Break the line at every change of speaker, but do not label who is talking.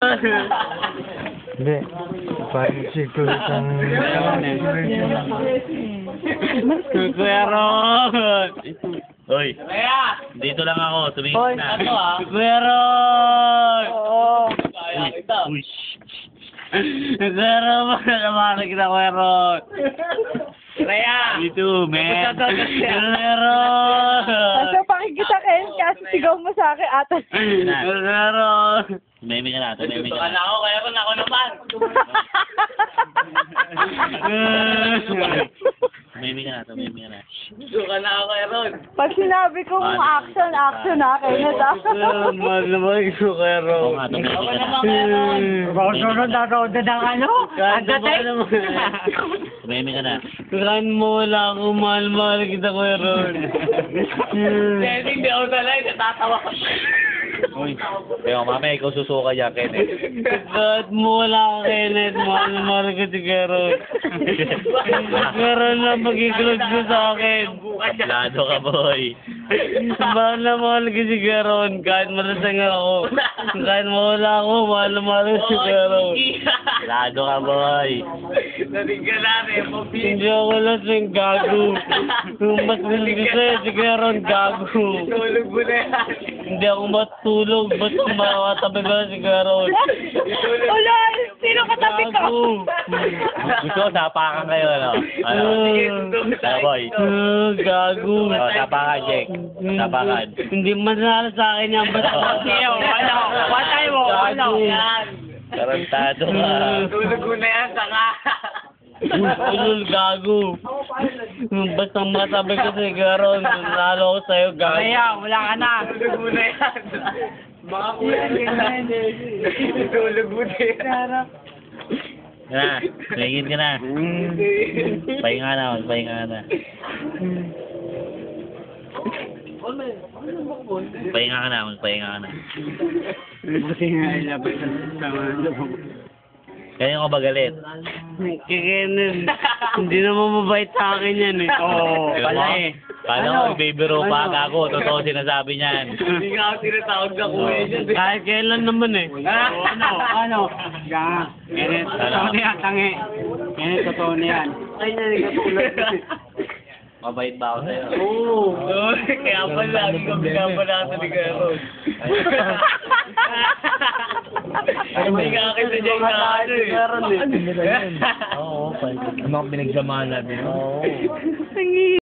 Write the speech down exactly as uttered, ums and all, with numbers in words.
Hindi. Parang siguro isang...
Kuya Ron! Hoy, dito lang ako, tumingin na. Kuya Ron!
Oo.
Uy, shh. Kuya Ron, nalaman kita, Kuya Ron.
Raya!
Dito, man. Kuya Ron!
Kasi pakikita Ken, kasi sigaw mo sa akin atas.
Kuya Ron! Tumimik ka na, tumimik ka na.
ako, kaya ko na ako naman.
Tumimik ka na, tumimik ka na.
Suka na ako kaya ron.
Pag sinabi kong action, action ha, Kenneth ha.
Mahal naman ko kaya
Oo
Ron.
nga, tumimik ka na.
Sunod na road na ano?
Kahit na ba naman.
Tumimik ka na.
Kailangan mo wala ako, mahal-mahal kita kuya Ron.
Kasi hindi ako talay, natatawa ko.
Uy, kaya mamaya ikaw susuka dyan, Kenneth.
Kahit mo wala ka Kenneth, mahal-mahal ka si kuya Ron. Kuya Ron lang magiglod ko sa akin.
Tablado ka, boy.
Mahal na mahal ka si kuya Ron, kahit malasang ako. Kahit mawala ako, mahal-mahal ka si kuya Ron.
Tablado ka, boy.
Narinig namin, mabili.
Hindi ako lasing gago. Mas gusto ko sa'yo, si kuya Ron, gago.
Tulog mo na yan.
Hindi ako matulog, ba't kumakatabi ka si kuya Ron?
Wala, sino katabi ko?
Gago.
Gusto ko, tapakan kayo, ano? Ano? Ano, boy?
Ah, gago.
Oh, tapakan, Jake. Tapakan.
Hindi manalo sa akin yan, ba't
Iyo, ano? Patay mo, ano?
Yan.
Tarantado ka.
Tulog mo na yan, sanga.
Ulul, gago. Basta matabi ko si kuya Ron, nalo ko sa'yo, gago.
Kaya, wala ka na.
Tulog mo na yan. Baka po yan. Tulog mo na yan.
Yan na, tumingin ka na. Pahinga na, pahinga na. Pahinga ka na, magpahinga ka na.
Buti nga ilabas sa
Ganyan ko ba galit?
Kikenin, hindi naman mabait sa akin yan eh.
Oo,
Alam
pala
mo?
eh.
Kala ko, nagbibiro pa ako. Totoo sinasabi niyan.
Hindi nga ako tinatawag na kuya dyan.
Kahit kailan naman eh.
Ah, ano, ano? Ganga. Kenneth, totoo na yan, tangi. Kenneth, totoo na yan.
Ay, naligatulog.
Mabait ba ako sa'yo?
Oo. Kaya pala, lagi ko binabanatan ni Kuya Ron. Hindi nga akin sa dyan na ano eh.
Oo, pwede.
Ano ang pinagsamahan natin?
Oo.
Tangi.